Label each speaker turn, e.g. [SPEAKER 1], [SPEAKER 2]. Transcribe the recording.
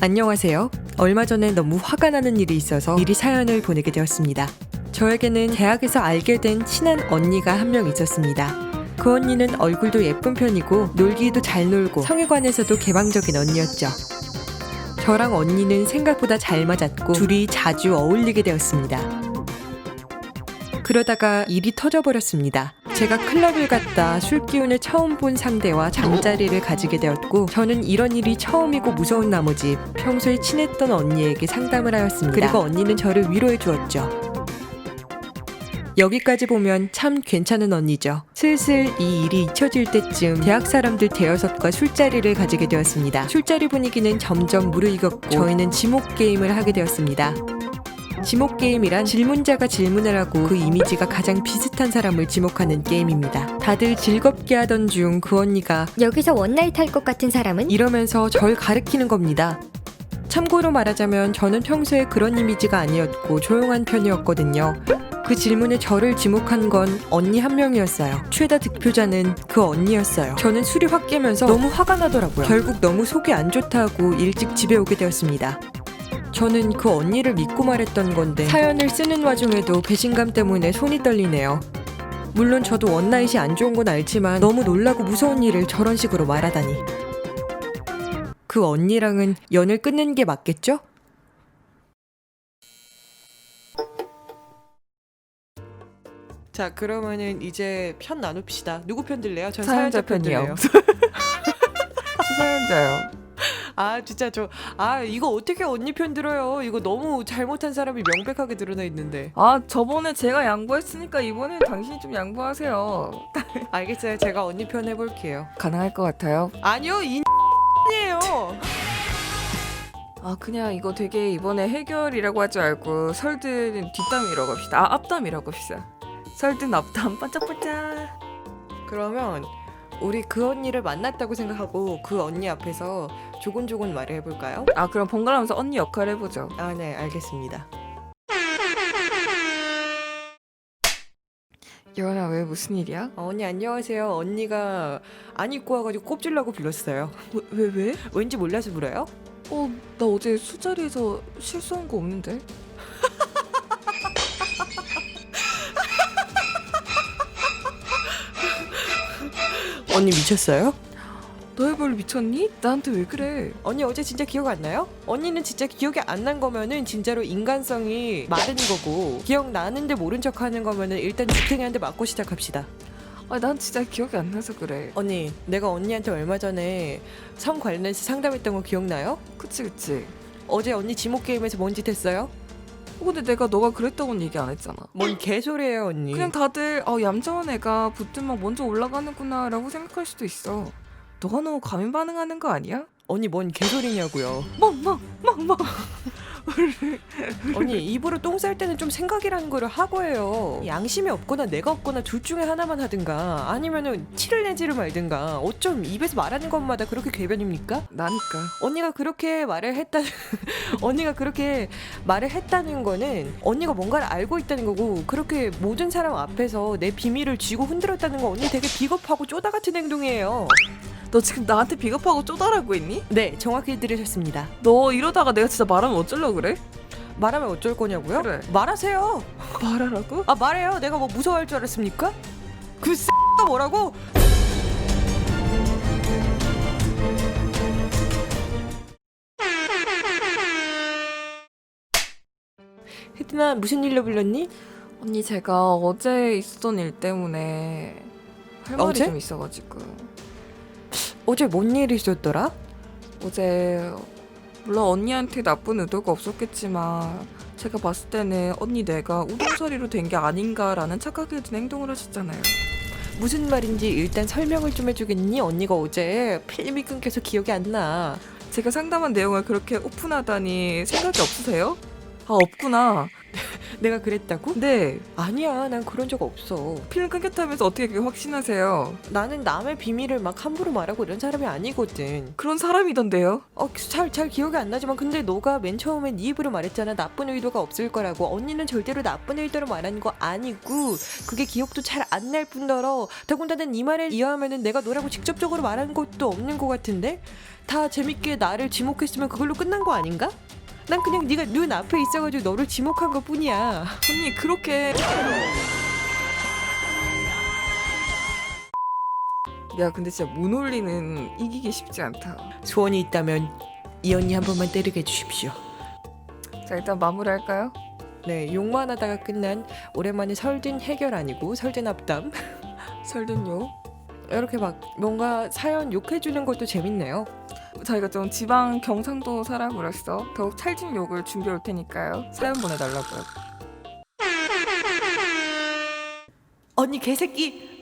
[SPEAKER 1] 안녕하세요. 얼마 전에 너무 화가 나는 일이 있어서 미리 사연을 보내게 되었습니다. 저에게는 대학에서 알게 된 친한 언니가 한 명 있었습니다. 그 언니는 얼굴도 예쁜 편이고 놀기도 잘 놀고 성에 관해서도 개방적인 언니였죠. 저랑 언니는 생각보다 잘 맞았고 둘이 자주 어울리게 되었습니다. 그러다가 일이 터져버렸습니다. 제가 클럽을 갔다 술 기운을 처음 본 상대와 잠자리를 가지게 되었고 저는 이런 일이 처음이고 무서운 나머지 평소에 친했던 언니에게 상담을 하였습니다. 그리고 언니는 저를 위로해 주었죠. 여기까지 보면 참 괜찮은 언니죠. 슬슬 이 일이 잊혀질 때쯤 대학 사람들 대여섯과 술자리를 가지게 되었습니다. 술자리 분위기는 점점 무르익었고 저희는 지목 게임을 하게 되었습니다. 지목 게임이란 질문자가 질문을 하고 그 이미지가 가장 비슷한 사람을 지목하는 게임입니다. 다들 즐겁게 하던 중 그 언니가
[SPEAKER 2] 여기서 원나잇 할 것 같은 사람은?
[SPEAKER 1] 이러면서 절 가리키는 겁니다. 참고로 말하자면 저는 평소에 그런 이미지가 아니었고 조용한 편이었거든요. 그 질문에 저를 지목한 건 언니 한 명이었어요. 최다 득표자는 그 언니였어요. 저는 술이 확 깨면서 너무 화가 나더라고요. 결국 너무 속이 안 좋다고 일찍 집에 오게 되었습니다. 저는 그 언니를 믿고 말했던 건데 사연을 쓰는 와중에도 배신감 때문에 손이 떨리네요. 물론 저도 원나잇이 안 좋은 건 알지만 너무 놀라고 무서운 일을 저런 식으로 말하다니. 그 언니랑은 연을 끊는 게 맞겠죠? 자, 그러면은 이제 편 나눕시다. 누구 편 들래요? 전 사연자 편 들래요.
[SPEAKER 3] 사연자요.
[SPEAKER 1] 아 진짜 이거 어떻게 언니 편 들어요? 이거 너무 잘못한 사람이 명백하게 드러나 있는데.
[SPEAKER 3] 아, 저번에 제가 양보했으니까 이번엔 당신이 좀 양보하세요.
[SPEAKER 1] 알겠어요. 제가 언니 편 해볼게요.
[SPEAKER 3] 가능할 것 같아요.
[SPEAKER 1] 아니요, 이에요.
[SPEAKER 3] 아, 그냥 이거 되게 이번에 해결이라고 하지 말고 설든 뒷담이라고 합시다. 아, 앞담이라고 합시다. 설든 앞담 반짝반짝.
[SPEAKER 1] 그러면 우리 그 언니를 만났다고 생각하고 그 언니 앞에서 조곤조곤 말을 해볼까요?
[SPEAKER 3] 아, 그럼 번갈아가면서 언니 역할 해보죠.
[SPEAKER 1] 아, 네, 알겠습니다.
[SPEAKER 3] 여원아, 왜 무슨 일이야?
[SPEAKER 1] 언니 안녕하세요. 언니가 안 입고 와가지고 꼽질라고 불렀어요.
[SPEAKER 3] 왜?
[SPEAKER 1] 왠지 몰라서 불어요?
[SPEAKER 3] 나 어제 술자리에서 실수한 거 없는데?
[SPEAKER 1] 언니 미쳤어요?
[SPEAKER 3] 너의 별 미쳤니? 나한테 왜 그래?
[SPEAKER 1] 언니 어제 진짜 기억 안 나요? 언니는 진짜 기억이 안 난 거면은 진짜로 인간성이 마른 거고 기억나는데 모른 척 하는 거면은 일단 주탱이한테 맞고 시작합시다.
[SPEAKER 3] 아, 난 진짜 기억이 안 나서 그래.
[SPEAKER 1] 언니, 내가 언니한테 얼마 전에 성 관련해서 상담했던 거 기억나요?
[SPEAKER 3] 그치.
[SPEAKER 1] 어제 언니 지목 게임에서 뭔 짓 했어요?
[SPEAKER 3] 근데 내가 너가 그랬다고는 얘기 안 했잖아.
[SPEAKER 1] 뭔 개소리예요, 언니.
[SPEAKER 3] 그냥 다들 얌전한 애가 붙으면 먼저 올라가는구나 라고 생각할 수도 있어. 너가 너무 과민 반응하는 거 아니야?
[SPEAKER 1] 언니 뭔 개소리냐고요.
[SPEAKER 3] 멍
[SPEAKER 1] 언니 입으로 똥 쌀 때는 좀 생각이라는 거를 하고 해요. 양심이 없거나 내가 없거나 둘 중에 하나만 하든가 아니면은 티를 내지를 말든가. 어쩜 입에서 말하는 것마다 그렇게 궤변입니까?
[SPEAKER 3] 나니까.
[SPEAKER 1] 언니가 그렇게 말을 했다는 언니가 그렇게 말을 했다는 거는 언니가 뭔가를 알고 있다는 거고 그렇게 모든 사람 앞에서 내 비밀을 쥐고 흔들었다는 거 언니 되게 비겁하고 쪼다 같은 행동이에요.
[SPEAKER 3] 너 지금 나한테 비겁하고 쪼다라고 했니?
[SPEAKER 1] 네, 정확히 들으셨습니다.
[SPEAKER 3] 너 이러다가 내가 진짜 말하면 어쩌려고 그래?
[SPEAKER 1] 말하면 어쩔 거냐고요?
[SPEAKER 3] 그래.
[SPEAKER 1] 말하세요.
[SPEAKER 3] 말하라고?
[SPEAKER 1] 아, 말해요. 내가 뭐 무서워할 줄 알았습니까? 그 뭐라고? 혜진아, 무슨 일로 불렀니?
[SPEAKER 3] 언니, 제가 어제 있었던 일 때문에 할 말이
[SPEAKER 1] 어제?
[SPEAKER 3] 좀 있어가지고.
[SPEAKER 1] 어제 뭔 일이 있었더라?
[SPEAKER 3] 어제 물론 언니한테 나쁜 의도가 없었겠지만 제가 봤을 때는 언니 내가 우동서리로 된 게 아닌가라는 착각이 든 행동을 하셨잖아요.
[SPEAKER 1] 무슨 말인지 일단 설명을 좀 해주겠니? 언니가 어제 필름이 끊겨서 기억이 안 나.
[SPEAKER 3] 제가 상담한 내용을 그렇게 오픈하다니 생각이 없으세요? 아, 없구나.
[SPEAKER 1] 내가 그랬다고?
[SPEAKER 3] 네.
[SPEAKER 1] 아니야, 난 그런 적 없어.
[SPEAKER 3] 필름 끊겼다면서 어떻게 그게 확신하세요?
[SPEAKER 1] 나는 남의 비밀을 막 함부로 말하고 이런 사람이 아니거든.
[SPEAKER 3] 그런 사람이던데요?
[SPEAKER 1] 잘 기억이 안 나지만 근데 너가 맨 처음에 네 입으로 말했잖아. 나쁜 의도가 없을 거라고. 언니는 절대로 나쁜 의도로 말하는 거 아니고 그게 기억도 잘 안 날 뿐더러 더군다나 네 말에 이어하면은 내가 너라고 직접적으로 말한 것도 없는 것 같은데? 다 재밌게 나를 지목했으면 그걸로 끝난 거 아닌가? 난 그냥 네가 눈 앞에 있어가지고 너를 지목한 것 뿐이야.
[SPEAKER 3] 언니 그렇게 야 근데 진짜 문올리는 이기기 쉽지 않다.
[SPEAKER 1] 소원이 있다면 이 언니 한 번만 때리게 해주십시오.
[SPEAKER 3] 자 일단 마무리할까요?
[SPEAKER 1] 네, 욕만 하다가 끝난 오랜만에 설든 해결 아니고 설든 앞담.
[SPEAKER 3] 설든요.
[SPEAKER 1] 이렇게 막 뭔가 사연 욕해주는 것도 재밌네요.
[SPEAKER 3] 저희가 좀 지방 경상도 사람으로서 더욱 찰진 욕을 준비해 올 테니까요. 사연 보내달라고요.
[SPEAKER 1] 언니 개새끼